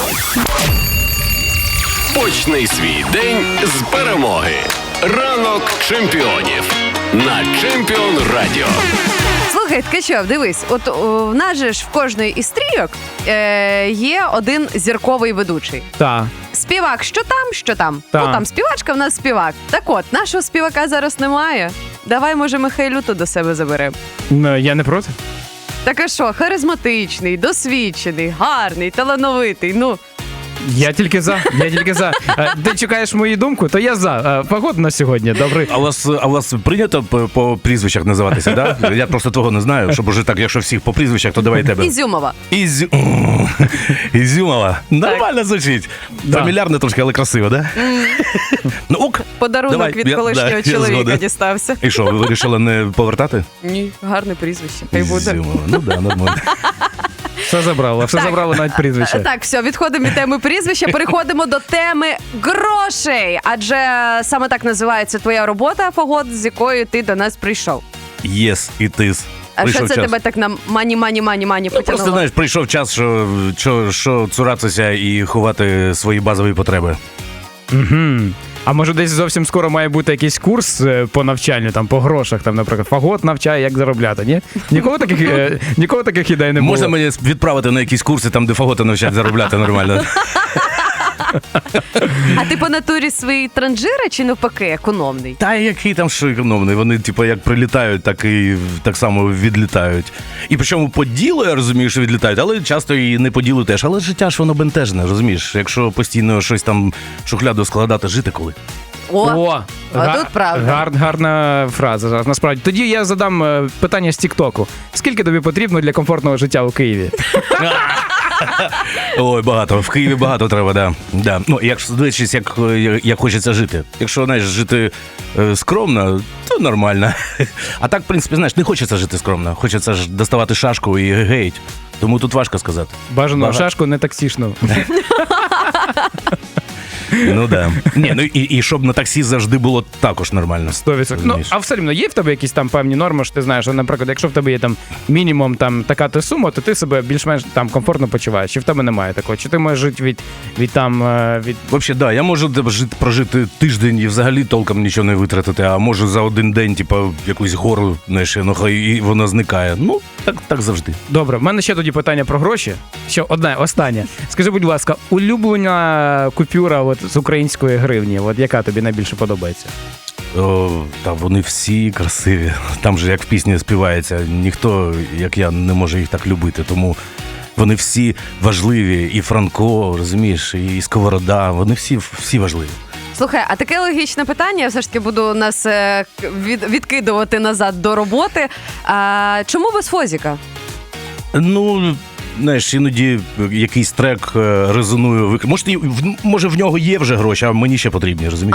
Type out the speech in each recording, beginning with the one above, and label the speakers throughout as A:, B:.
A: Почни свій день з перемоги. Ранок чемпіонів на Чемпіон Радіо.
B: Слухай, Ткачов, дивись, от в нас же ж в кожної із стрійок є один зірковий ведучий.
C: Так.
B: Співак, що там?
C: Та.
B: Ну там співачка, в нас співак. Так от, нашого співака зараз немає. Давай, може, Михайлюту до себе заберемо.
C: Я не проти.
B: Так а що, харизматичний, досвідчений, гарний, талановитий, ну...
C: Я тільки за. Ти чекаєш мою думку, то я за. Погода на сьогодні, добре.
D: А у вас прийнято по прізвищах називатися, да? Я просто того не знаю, щоб уже так, якщо всіх по прізвищах, то давай тебе.
B: Ізюмова.
D: Ізюмова. Нормально звучить.
C: Да.
D: Фамільярно трошки, але красиво, да? Ну ок.
B: Подарунок
D: Давай,
B: від
D: я
B: колишнього чоловіка
D: згоден.
B: дістався.
D: І що, ви вирішили не повертати?
B: Ні, гарне прізвище. Хай буде.
D: Ізюмова. Ну да, нормально.
C: Все забрало навіть прізвище.
B: Так, все, відходимо від теми прізвища, переходимо до теми грошей. Адже саме так називається твоя робота, Фагот, з якою ти до нас прийшов.
D: Єс, і тис.
B: А
D: Прийшов
B: що це
D: час.
B: тебе так на мані
D: Ну, просто,
B: потягнуло?
D: знаєш, прийшов час, що цуратися і ховати свої базові потреби.
C: Угу. А може десь зовсім скоро має бути якийсь курс по навчанню, там, по грошах, там, наприклад, Фагот навчає, як заробляти, ні? Нікого таких ідей не було.
D: Можна мені відправити на якісь курси, там, де фаготи навчать заробляти нормально?
B: А ти по натурі свої транжири чи навпаки економний?
D: Та який там що економний, вони типу як прилітають, так само відлітають. І причому по ділу, я розумію, що відлітають, але часто і не по ділу теж. Але життя ж воно бентежне, розумієш? Якщо постійно щось там в шухляду складати, жити коли?
B: Тут правда.
C: Гарна фраза, насправді. Тоді я задам питання з Тік-Току. Скільки тобі потрібно для комфортного життя у Києві?
D: Ой, багато. В Києві багато треба, да. Ну, якщо дивитися, як хочеться жити. Якщо, знаєш, жити скромно, то нормально. А так, в принципі, знаєш, не хочеться жити скромно. Хочеться ж доставати шашку і гейть. Тому тут важко сказати.
C: Бажано шашку, не таксішну.
D: Ну да. Ні, ну і щоб на таксі завжди було також нормально.
C: 100%. Ну, а все рівно є в тебе якісь там певні норми, що ти знаєш, що, наприклад, якщо в тебе є там мінімум там така сума, то ти себе більш-менш там комфортно почуваєш. Чи в тебе немає такого? Чи ти можеш жити від
D: Взагалі, да, я можу прожити тиждень і взагалі толком нічого не витратити, а можу за один день, типу, якусь гору, знаєш, і воно зникає. Ну, так завжди.
C: Добре, в мене ще тоді питання про гроші. Ще одне, останнє. Скажи, будь ласка, улюблена купюра от, з української гривні, от яка тобі найбільше подобається?
D: Та вони всі красиві. Там же, як в пісні співається, ніхто, як я, не може їх так любити, тому вони всі важливі. І Франко, розумієш, і Сковорода, вони всі важливі.
B: Слухай, а таке логічне питання, я все ж таки буду нас відкидувати назад до роботи. Чому без Фозіка?
D: Ну, знаєш, іноді якийсь трек резонує. Може, в нього є вже гроші, а мені ще потрібні, розумієш?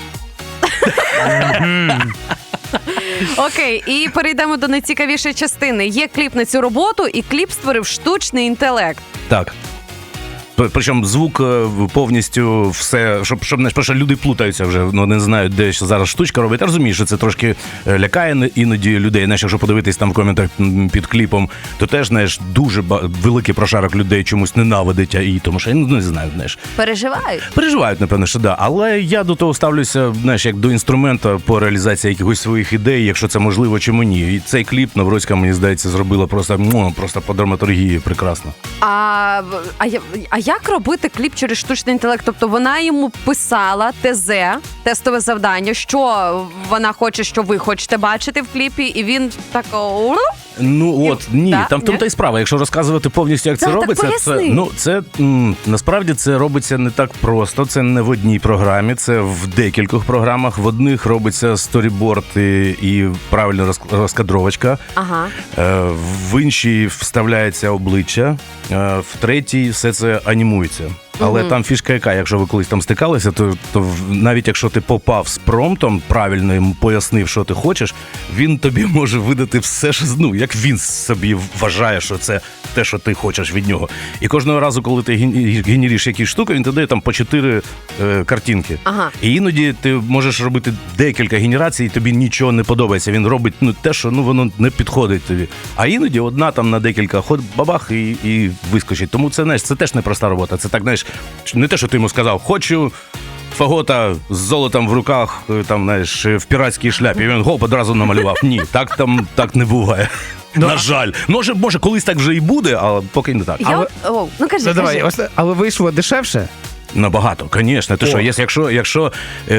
B: Окей, і перейдемо до найцікавішої частини. Є кліп на цю роботу, і кліп створив штучний інтелект.
D: Так. Причому звук повністю все, щоб знаєш, просто люди плутаються вже, не знають, де зараз штучка робить. Я розумію, що це трошки лякає іноді людей. Знаєш, якщо подивитись там в коментах під кліпом, то теж, знаєш, дуже великий прошарок людей чомусь ненавидить, і тому що я не знаю, знаєш. Переживають, напевно, що да. Але я до того ставлюся, знаєш, як до інструмента по реалізації якихось своїх ідей, якщо це можливо, чому ні. І цей кліп Навроцька, мені здається, зробила просто по драматургії прекрасно.
B: А як робити кліп через штучний інтелект? Тобто вона йому писала ТЗ, тестове завдання, що вона хоче, що ви хочете бачити в кліпі, і він так...
D: Ну от, ні,
B: да?
D: там в тому та й справа. Якщо розказувати повністю, як це робиться, насправді це робиться не так просто. Це не в одній програмі, це в декількох програмах. В одних робиться сторіборд і правильна розкадровочка.
B: Ага.
D: В іншій вставляється обличчя. В третій все це анімується. Але там фішка яка, якщо ви колись там стикалися, то навіть якщо ти попав з промптом, правильно йому пояснив, що ти хочеш, він тобі може видати все, що, ну, як він собі вважає, що це те, що ти хочеш від нього. І кожного разу, коли ти генериш якісь штуки, він дає там по 4 картинки.
B: Ага.
D: І іноді ти можеш робити декілька генерацій, і тобі нічого не подобається. Він робить те, що воно не підходить тобі. А іноді одна там на декілька ход бабах і вискочить. Тому це, знаєш, це теж непроста робота. Це так, знаєш, не те, що ти йому сказав, хочу фагота з золотом в руках, там, знаєш, в піратській шляпі. І він гоп одразу намалював. Ні, так не буває. На жаль. Може, колись так вже і буде, але поки не так.
B: Ну кажи,
C: Давай, але вийшло дешевше?
D: Набагато, звісно. Ти що, якщо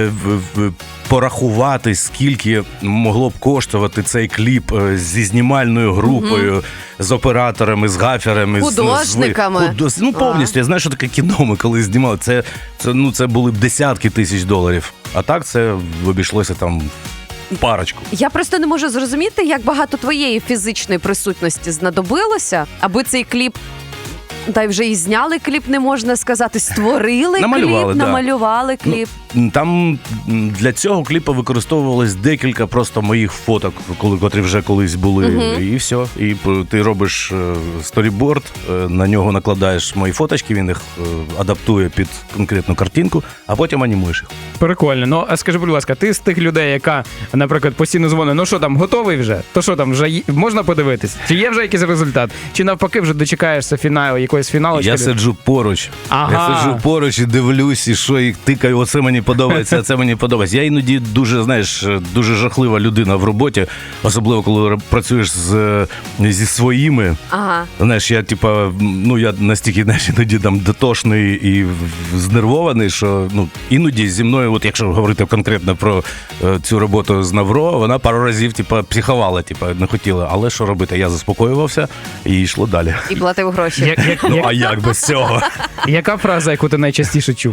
D: порахувати, скільки могло б коштувати цей кліп зі знімальною групою, з операторами, з гаферами,
B: художниками.
D: Повністю. Я знаю, що таке кіно ми коли знімали. Це були б десятки тисяч доларів. А так це обійшлося там парочку.
B: Я просто не можу зрозуміти, як багато твоєї фізичної присутності знадобилося, аби цей кліп, та й вже і зняли кліп, не можна сказати, створили намалювали кліп.
D: Там для цього кліпу використовувалось декілька просто моїх фоток, котрі вже колись були, і все. І ти робиш сторіборд, на нього накладаєш мої фоточки, він їх адаптує під конкретну картинку, а потім анімуєш їх.
C: Прикольно. Ну, а скажи, будь ласка, ти з тих людей, яка, наприклад, постійно дзвонить, ну що там, готовий вже? То що там, вже можна подивитись? Чи є вже якийсь результат? Чи навпаки вже дочекаєшся фіналу, якоїсь фіналочки?
D: Я сиджу поруч. Я сиджу поруч і дивлюсь, і що, і тикаю, оце мені подобається, це мені подобається. Я іноді дуже жахлива людина в роботі, особливо коли працюєш зі своїми.
B: Ага.
D: Знаєш, я я настільки, іноді там дотошний і знервований, що іноді зі мною, от якщо говорити конкретно про цю роботу з Навро, вона пару разів психувала, не хотіла. Але що робити? Я заспокоювався і йшло далі.
B: І платив гроші.
D: А як без цього?
C: Яка фраза, яку ти найчастіше чув?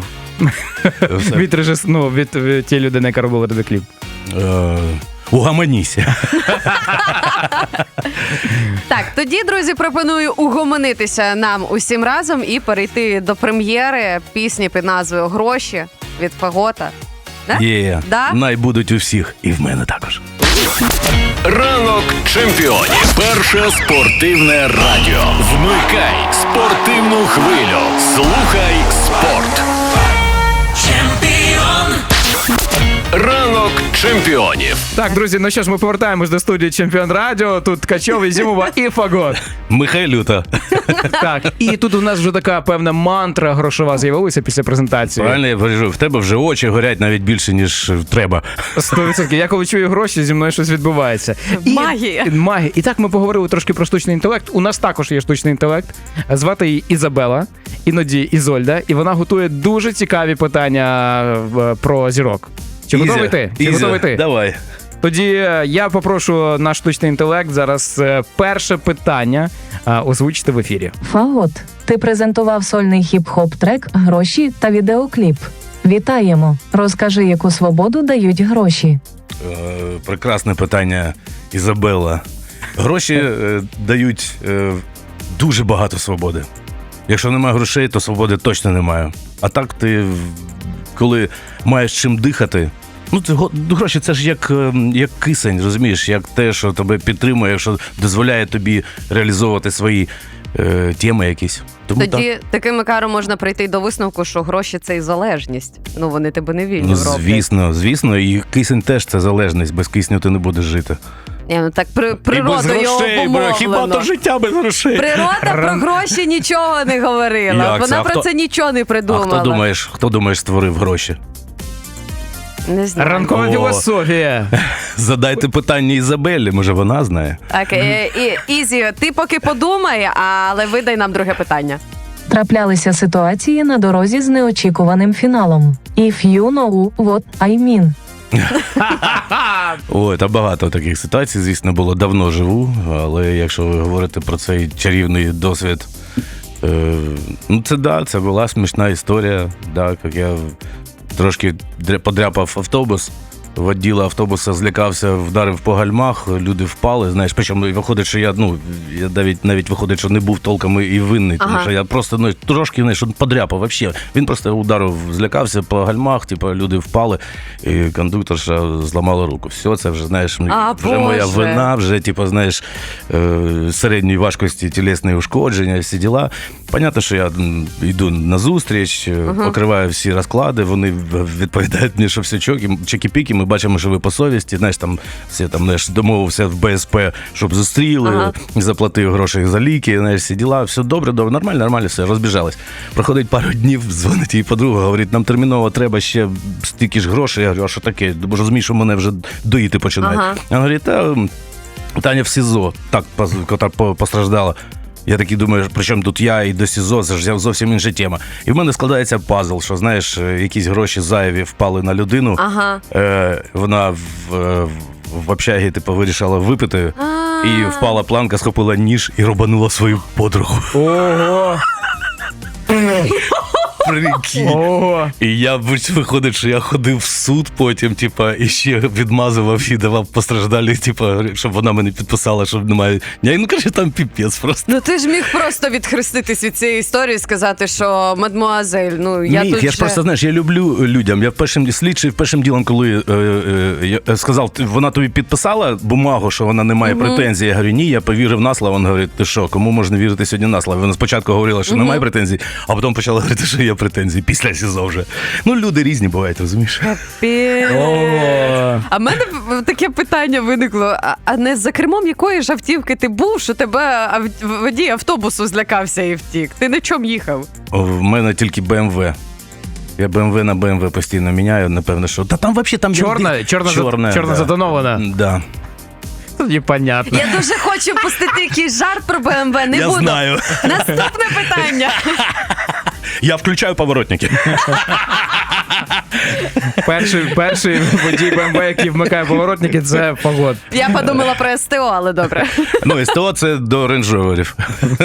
C: Від тієї людини, яка робила тобі кліп?
D: Угомоніся.
B: Так, тоді, друзі, пропоную угомонитися нам усім разом і перейти до прем'єри пісні під назвою «Гроші» від Фагота. Да?
D: Най будуть у всіх, і в мене також.
A: Ранок чемпіонів. Перше спортивне радіо. Вмикай спортивну хвилю. Слухай спорт. Ранок чемпіонів.
C: Так, друзі, ну що ж, ми повертаємось до студії Чемпіон Радіо. Тут Ткачов, Ізюмова і Фагот.
D: Михайлюта.
C: Так, і тут у нас вже така певна мантра грошова з'явилася після презентації.
D: Правильно, я кажу, в тебе вже очі горять навіть більше, ніж треба.
C: 100%. Я коли чую гроші, зі мною щось відбувається.
B: Магія.
C: Магія. І так ми поговорили трошки про штучний інтелект. У нас також є штучний інтелект. Звати її Ізабела, іноді Ізольда, і вона готує дуже цікаві питання про зірок. Чи готовий ти? Готовий ти?
D: Давай.
C: Тоді я попрошу наш штучний інтелект зараз перше питання озвучити в ефірі.
E: Фагот, ти презентував сольний хіп-хоп трек «Гроші» та відеокліп. Вітаємо! Розкажи, яку свободу дають гроші?
D: Прекрасне питання, Ізабелла. Гроші дають дуже багато свободи. Якщо немає грошей, то свободи точно немає. А так ти, коли маєш чим дихати, гроші це ж як кисень, розумієш, як те, що тебе підтримує, що дозволяє тобі реалізовувати свої теми якісь. Тому
B: тоді таким макаром можна прийти до висновку, що гроші – це і залежність. Вони тебе не вільні роблять.
D: Звісно, і кисень теж це залежність, без кисню ти не будеш жити.
B: Так природою обумовлено.
D: Хіба то життя без грошей?
B: Природа про гроші нічого не говорила. Вона про це нічого не придумала.
D: Хто думаєш створив гроші?
B: Не знаю.
C: Ранкова філософія.
D: Задайте питання Ізабеллі, може вона знає.
B: Так, Ізі, ти поки подумай, але видай нам друге питання.
E: Траплялися ситуації на дорозі з неочікуваним фіналом. If you know what I mean.
D: Ой, та багато таких ситуацій, звісно, було. Давно живу, але якщо ви говорите про цей чарівний досвід, це була смішна історія, як я трошки подряпав автобус, воділа автобуса злякався, вдарив по гальмах, люди впали, знаєш, причому виходить, що я навіть виходить, що не був толком і винний, тому що я просто, трошки, знаєш, подряпав, взагалі. Він просто ударив, злякався по гальмах, типу, люди впали, і кондукторша зламала руку. Все, це вже, знаєш, вже моя вина, вже, типу, знаєш, середньої важкості тілесні ушкодження, всі діла. Понятно, що я йду на зустріч, покриваю всі розклади, вони відповідають мені, що все чеки-піки, ми бачимо, що ви по совісті, знаєш, там всі там, знаєш, домовився в БСП, щоб зустріли, заплатив гроші за ліки, знаєш, всі діла, все добре, нормально, все, розбіжались. Проходить пару днів, дзвонить її подруга, говорить, нам терміново треба ще стільки ж грошей. Я говорю, а що таке? Бо розумію, що мене вже доїти починають. Вона говорить, Таня в СІЗО, так, котра постраждала. Я такий думаю, причому тут я і до СІЗО, це ж зовсім інша тема. І в мене складається пазл, що, знаєш, якісь гроші зайві впали на людину, вона в общагі, типу, вирішила випити, і впала планка, схопила ніж і рубанула свою подругу.
C: Ого!
D: Прикинь.
C: Ого!
D: І я, виходить, що я ходив в суд потім, типа, і ще відмазував і давав постраждалі, типа, щоб вона мене підписала, щоб немає. Ну, короче, там піпець просто.
B: Ну ти ж міг просто відхреститись від цієї історії і сказати, що мадмуазель, я
D: Міг,
B: тут
D: я ж просто, знаєш, я люблю людям. Я першим ділом, коли я сказав, вона тобі підписала бумагу, що вона не має претензій, я говорю, ні, я повірив на слово. Він говорить, ти що, кому можна вірити сьогодні на слово? Вона спочатку говорила, що немає претензій, а потім почала говорити, що є претензії після СІЗО вже. Ну, люди різні бувають, розумієш?
C: Ого!
B: А в мене таке питання виникло, а не за кермом якої ж автівки ти був, що тебе водій автобусу злякався і втік? Ти на чому їхав?
D: В мене тільки БМВ. Я БМВ на БМВ постійно міняю, напевно, що... Та там взагалі там...
C: Чорна затонована.
D: Да.
C: Непонятно.
B: Я дуже хочу пустити якийсь жарт про БМВ, не
D: Я
B: буду.
D: знаю.
B: Наступне питання.
D: Я включаю поворотники.
C: Перший водій БМВ, який вмикає поворотники, це Погодь.
B: Я подумала про СТО, але добре.
D: Ну, СТО це до рейндж-роверів.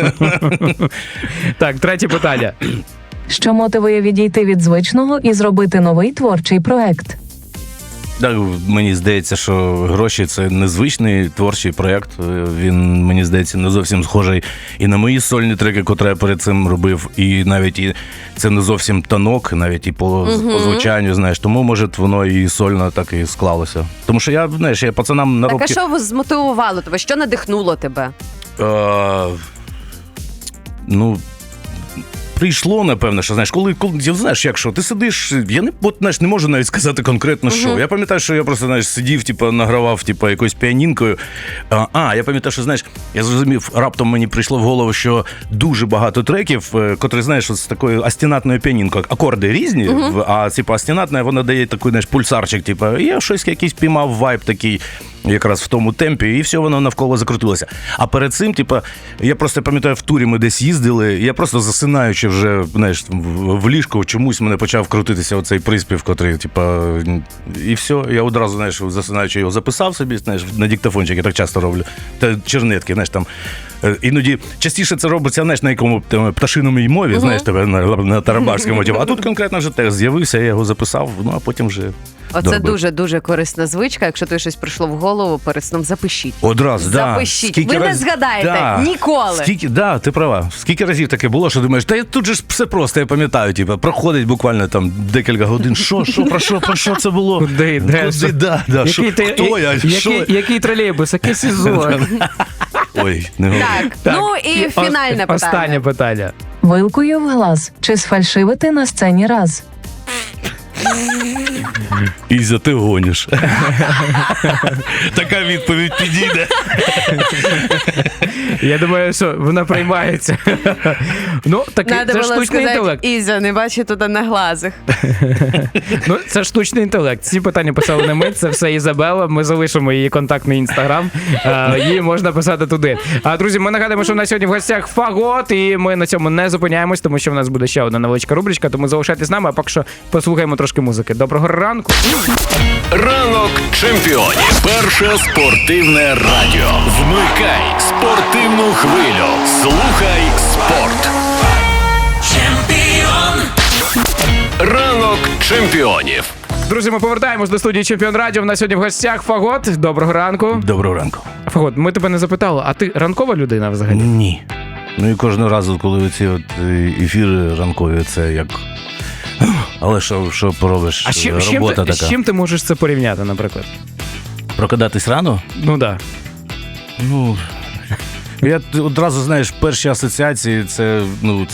C: Так, третє питання.
E: Що мотивує відійти від звичного і зробити новий творчий проект?
D: Так, мені здається, що гроші – це незвичний творчий проєкт. Він, мені здається, не зовсім схожий і на мої сольні треки, котрі я перед цим робив, і навіть і це не зовсім танок, навіть і по звучанню, знаєш. Тому, може, воно і сольно так і склалося. Тому що я, знаєш, я пацанам на
B: Так, а що змотивувало тебе? Що надихнуло тебе?
D: Прийшло, напевно, що, знаєш, коли знаєш, якщо ти сидиш, я не можу навіть сказати конкретно, що. Я пам'ятаю, що я просто, знаєш, сидів, награвав, якоюсь піанінкою. Я пам'ятаю, що, знаєш, я зрозумів, раптом мені прийшло в голову, що дуже багато треків, котрі, знаєш, з такою астінатною піанінкою, акорди різні, а, астінатна, вона дає такий, знаєш, пульсарчик, і я щось якийсь піймав вайб такий, якраз в тому темпі, і все воно навколо закрутилося. А перед цим, я просто пам'ятаю, в турі ми десь їздили, я просто засинаючи вже, знаєш, в ліжку, чомусь мене почав крутитися оцей приспів, котрий, і все, я одразу, знаєш, засинаючи його записав собі, знаєш, на диктофончик, я так часто роблю, та чернетки, знаєш, там, іноді частіше це робиться, знаєш, на якому пташиному мові, знаєш, на тарабарському, а тут конкретно вже текст з'явився, я його записав, а потім вже
B: Оце дуже-дуже корисна звичка. Якщо тобі щось прийшло в голову, перед сном запишіть.
D: Одразу,
B: запишіть. Ви не згадаєте ніколи.
D: Ти права. Скільки разів таке було, що думаєш, та тут же ж все просто, я пам'ятаю, проходить буквально там декілька годин, про що це було?
C: Куди, де?
D: Хто я?
C: Який тролейбус, яке СІЗО?
D: Ой, не говори.
B: Так, ну і фінальне питання.
C: Останнє питання.
E: Вилкою в глаз. Чи сфальшивити на сцені раз?
D: Ізя, ти гониш. Така відповідь підійде.
C: Я думаю, що вона приймається. Ну, такий, це штучний інтелект.
B: Ізя, не бачу туди на глазах.
C: Ну, це штучний інтелект. Ці питання писали не ми, це все Ізабела. Ми залишимо її контактний інстаграм. Її можна писати туди. Друзі, ми нагадуємо, що в нас сьогодні в гостях Фагот, і ми на цьому не зупиняємось, тому що в нас буде ще одна невеличка рубричка, тому залишайтесь з нами, а поки що послухаємо трошки музики. Доброго ранку.
A: Ранок чемпіонів. Перше спортивне радіо. Вмикай спортивну хвилю. Слухай спорт. Ранок чемпіонів
C: Друзі, ми повертаємось до студії Чемпіон Радіо. У нас сьогодні в гостях Фагот. Доброго ранку.
D: Доброго ранку.
C: Фагот, ми тебе не запитали, а ти ранкова людина взагалі?
D: Ні. Ну і кожного разу, коли ці ефіри ранкові, це як. Але що поробиш?
C: А
D: Робота така.
C: з чим ти можеш це порівняти, наприклад?
D: Прокидатись рано?
C: Ну так.
D: Ну, я одразу, знаєш, перші асоціації, це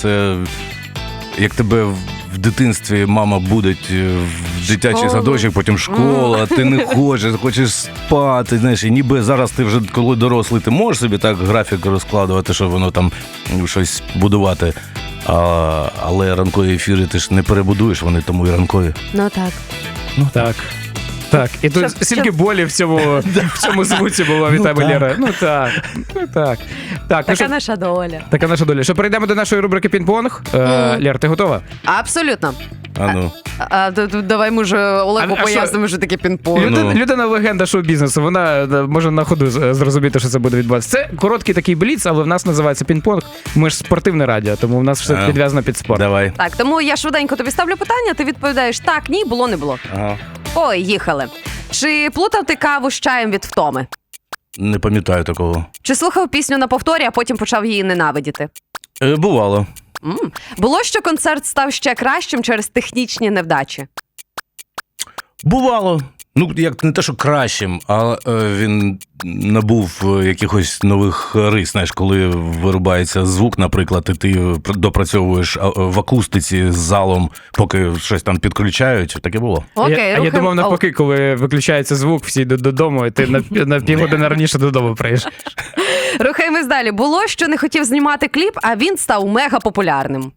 D: як тебе в дитинстві мама будить в дитячий садочок, потім школа, ти не хочеш спати, знаєш, і ніби зараз ти вже, коли дорослий, ти можеш собі так графік розкладувати, щоб воно там щось будувати. Але ранкові ефіри ти ж не перебудуєш, вони тому і ранкові.
B: Ну так.
C: Так. Так, і тут
B: Щоб-
C: стільки болі в цьому звуці було від тебе,
D: так.
C: Лєра. Ну так. Так, ну
B: Така
C: що,
B: наша доля.
C: така наша доля. Що, перейдемо до нашої рубрики «Пінг-понг». Лєр, ти готова?
B: Абсолютно.
D: А ну.
B: Давай, може, Олегу
C: А що?
B: пояснимо, що таке пінг-понг.
C: Людина-легенда шоу-бізнесу, вона може на ходу зрозуміти, що це буде відбуватися. Це короткий такий бліц, але в нас називається пінг-понг. Ми ж спортивне радіо, тому в нас все підв'язано під спорт.
D: Давай.
B: Так, тому я швиденько тобі ставлю питання, ти відповідаєш так, ні, було, не було.
D: Ага.
B: Ой, їхали. Чи плутав ти каву з чаєм від втоми?
D: Не пам'ятаю такого.
B: Чи слухав пісню на повторі, а потім почав її ненавидіти?
D: Бувало.
B: Було, що концерт став ще кращим через технічні невдачі?
D: Бувало. Ну, як не те, що кращим, а він набув якихось нових рис. Знаєш, коли вирубається звук, наприклад, і ти допрацьовуєш в акустиці з залом, поки щось там підключають, таке було.
B: Окей,
C: Я думав навпаки, коли виключається звук, всі йдуть додому, і ти на півгодини раніше додому приїжджаєш.
B: Рухаємось далі. Було, що не хотів знімати кліп, а він став мега популярним.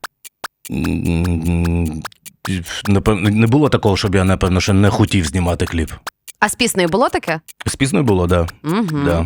D: Напевно, не було такого, щоб я, напевно, ще не хотів знімати кліп.
B: А з піснею було таке?
D: З піснею було, так. Да.
B: Угу.
D: Да.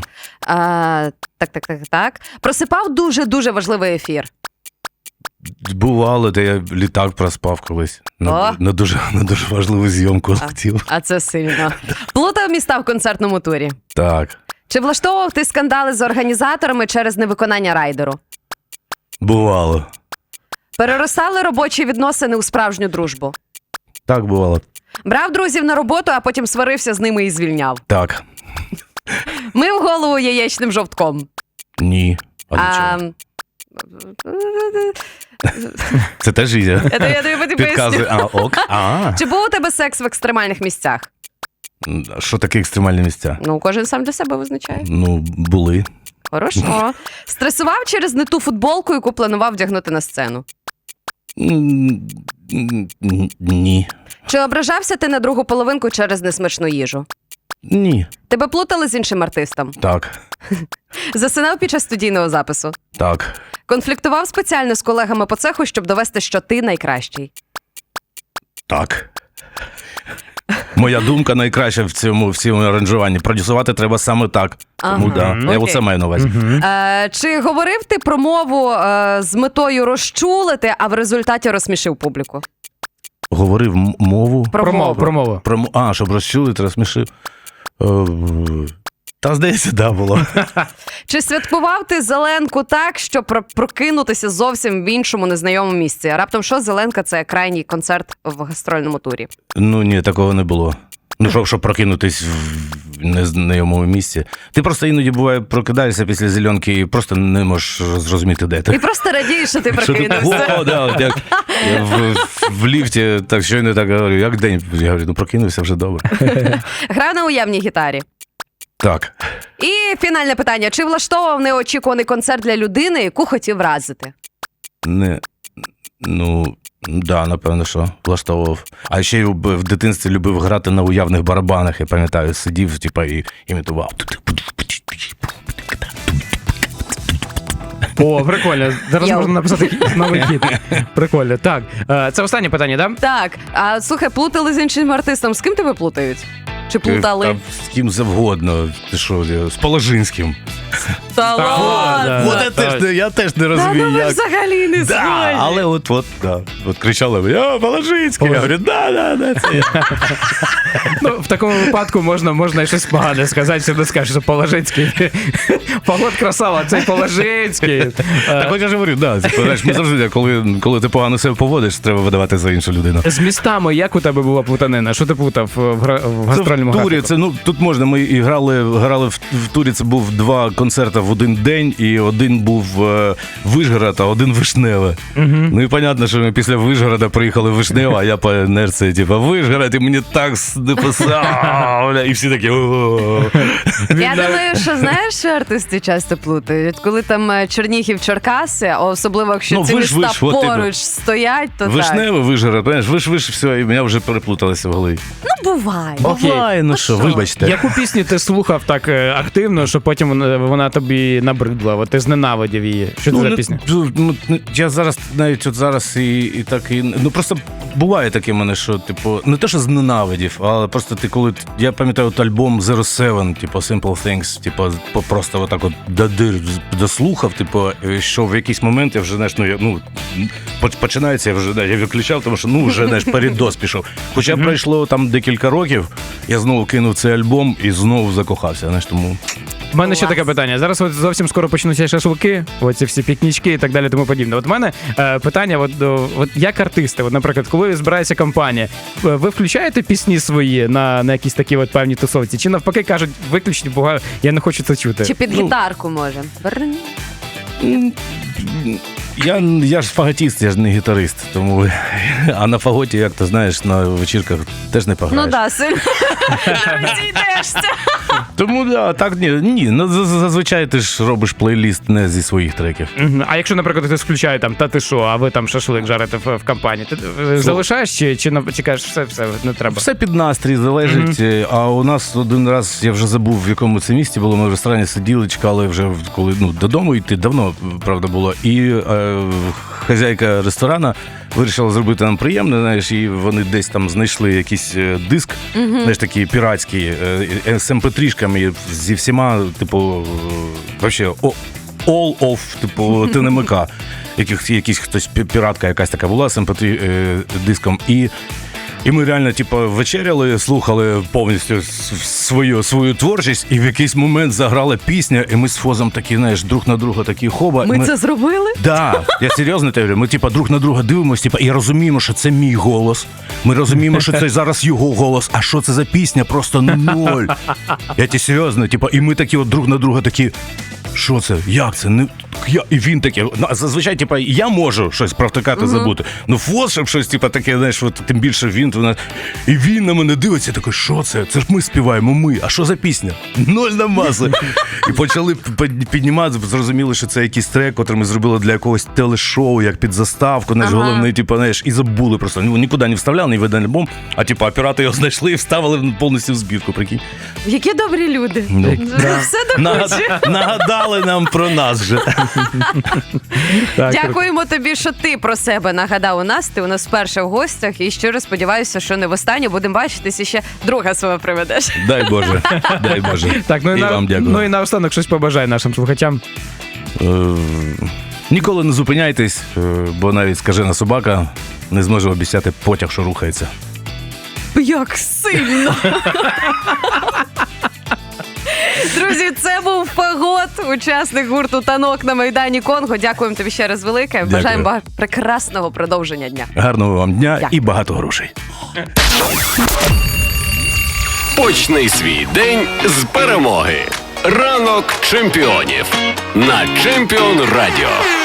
B: Так. Просипав дуже важливий ефір.
D: Бувало, де я літак проспав колись.
B: О.
D: На дуже важливу зйомку хотів.
B: А це сильно. Плутав міста в концертному турі.
D: Так.
B: Чи влаштовував ти скандали з організаторами через невиконання райдеру?
D: Бувало.
B: Переростали робочі відносини у справжню дружбу?
D: Так бувало.
B: Брав друзів на роботу, а потім сварився з ними і звільняв?
D: Так.
B: Мив голову яєчним жовтком?
D: Ні. А нічого. Це теж Ізя.
B: Я тобі потім
D: Підказує.
B: поясню.
D: Ок.
B: Чи був у тебе секс в екстремальних місцях?
D: Що таке екстремальні місця?
B: Ну, кожен сам для себе визначає.
D: Ну, були.
B: Хорошо. Стресував через не ту футболку, яку планував вдягнути на сцену?
D: Ні.
B: Чи ображався ти на другу половинку через несмачну їжу?
D: Ні.
B: Тебе плутали з іншим артистом?
D: Так.
B: Засинав під час студійного запису?
D: Так.
B: Конфліктував спеціально з колегами по цеху, щоб довести, що ти найкращий?
D: Так. Моя думка найкраща в цьому аранжуванні. Продюсувати треба саме так. Тому
B: Ага.
D: да. Я
B: Окей.
D: оце маю на увазі.
B: Чи говорив ти про мову з метою розчулити, а в результаті розсмішив публіку?
D: Говорив мову.
C: Про мову.
D: Щоб розчулити, розсмішив. Та, здається, да, було.
B: Чи святкував ти Зеленку так, щоб прокинутися зовсім в іншому незнайомому місці? А раптом що Зеленка – це крайній концерт в гастрольному турі?
D: Ну, ні, такого не було. Ну, щоб прокинутись в незнайомому місці. Ти просто іноді, буває, прокидаєшся після зеленки і просто не можеш зрозуміти, де
B: І
D: ти.
B: просто радієш, що ти
D: Що ти?
B: прокинувся.
D: О, да, от як я в ліфті, так щойно так говорю, як день? Я говорю, ну прокинувся вже добре.
B: Грав на уявній гітарі.
D: Так.
B: І фінальне питання. Чи влаштовував неочікуваний концерт для людини, яку хотів вразити?
D: Да, напевно, що влаштовував. А ще й в дитинстві любив грати на уявних барабанах, я пам'ятаю, сидів, типа, і імітував.
C: О, прикольно. Зараз
B: Йоу.
C: можна написати новий хіт. Прикольно. Так, це останнє питання, так?
B: Так. А слухай, плутали з іншим артистом. З ким тебе плутають? Чи плутали?
D: Та з ким завгодно. Ти що, з Положинським.
B: Та ладно.
D: Я теж не
B: Та
D: розумію,
B: ну ви
D: як.
B: взагалі не
D: Да,
B: згодні.
D: але от кричали, я Положинський. Я говорю, да, це я.
C: Ну, в такому випадку можна і щось погане сказати, що не скажеш, що Положинський. Погод красава, цей Положинський.
D: Так от я ж говорю, да, типу, знаєш, ми завжди, коли ти погано себе поводиш, треба видавати за іншу людину.
C: З містами як у тебе була плутанина? Що ти плутав в гастрольному
D: в турі,
C: графіку?
D: це, тут можна, ми і грали в турі, це був 2 концерти в один день, і один був Вишгород, а один Вишневе. Ну і понятно, що ми після Вишгорода приїхали в Вишневе, а я по інерції, типу, Вишгород, і мені так написав, і всі такі, «О-о-о».
B: Я думаю, що знаєш, що артисти часто плутають? Коли там Чернігів, Черкаси, а особливо якщо
D: Ну,
B: ці
D: виш,
B: міста
D: от
B: поруч
D: тебе.
B: стоять, то так.
D: Вишневе, Вишгород, понимаєш, виш, все, і мене вже переплуталося в голові.
B: Ну, буває.
C: Окей.
D: Буває, ну що, вибачте.
C: Яку пісню ти слухав так активно, що потім вона тобі набридла? От ти зненавидів її. Що це за пісня?
D: Я зараз, навіть от зараз і так, ну просто буває таке в мене, що, типу, не те, що зненавидів, але просто ти коли, я пам'ятаю от альбом Zero Seven, типу, Simple Things, типу, просто отак от до дир дослухав, типу, що в якийсь момент я вже, знаєш, починається, я вже, я виключав, тому що, вже, знаєш, передос пішов. Хоча пройшло там декілька років, я знову кинув цей альбом і знову закохався, знаєш, тому...
C: У мене ще таке питання. Зараз от зовсім скоро почнуться шашлики, оці всі пікнічки і так далі, тому подібне. От в мене питання, от як артисти, от, наприклад, коли збирається компанія, ви включаєте пісні свої на якісь такі от певні тусовці? Чи навпаки кажуть, виключні, бо я не хочу це чути?
B: Чи під гітарку, може? Брррн.
D: Я ж фаготіст, я ж не гітарист, тому... А на фаготі, як ти знаєш, на вечірках теж не пограєш.
B: Ну да, сильно розійдешся.
D: Тому так, ні, зазвичай ти ж робиш плейліст не зі своїх треків.
C: Мгм. А якщо, наприклад, хтось включає там, та ти що, а ви там шашлик жарите в компанії, ти залишаєш чи кажеш, все, не треба?
D: Все під настрій залежить. А у нас один раз, я вже забув, в якому це місті було, ми в ресторані сиділи, чекали вже, коли додому йти, давно, правда, було. І хазяйка ресторана вирішила зробити нам приємне, знаєш, і вони десь там знайшли якийсь диск, знаєш, такий піратський, з MP3-шками, зі всіма, типу, вообще, all of, типу, ТНМК. Якийсь хтось, піратка якась така була з MP3 диском. І ми реально, типу, вечеряли, слухали повністю свою творчість, і в якийсь момент заграла пісня, і ми з Фозом такі, знаєш, друг на друга такі хоба.
B: Ми це зробили?
D: Да, я серйозно те говорю. Ми, типу, друг на друга дивимося, типу, і розуміємо, що це мій голос. Ми розуміємо, що це зараз його голос. А що це за пісня? Просто ноль. Я тебе серйозно, типу, і ми такі от друг на друга такі. Що це? Як це? І він такий, зазвичай, типа, я можу щось провтикати, забути. Ну, Фос, щоб щось, типа, таке, знаєш, от, тим більше він, і він на мене дивиться, такий, що це? Це ж ми співаємо, а що за пісня? Ноль на маси. І почали піднімати, зрозуміли, що це якийсь трек, який ми зробили для якогось телешоу, як під заставку, знаєш, головний, типу, знаєш, і забули просто. Нікуди не вставляли, не видали альбом, а, типу, оператори його знайшли і вставили повністю в збірку, прикинь.
B: Які добрі люди. Все докуче.
D: Нагадали нам про нас вже.
B: Дякуємо тобі, що ти про себе нагадав у нас. Ти у нас вперше в гостях. І щиро сподіваюся, що не востаннє. Будемо бачитись і ще друга свого приведеш.
D: Дай Боже, дай Боже.
C: Так,
D: і вам дякую.
C: Ну і наостанок щось побажай нашим слухачам.
D: Ніколи не зупиняйтесь, бо навіть скажена собака не зможе обіцяти потяг, що рухається.
B: Як сильно! Друзі, це був Фагот, учасник гурту «Танок» на Майдані Конго. Дякуємо тобі ще раз велике.
D: Дякую.
B: Бажаємо прекрасного продовження дня.
D: Гарного вам дня
B: Дякую.
D: і багато грошей.
A: Почни свій день з перемоги. Ранок чемпіонів на Чемпіон Радіо.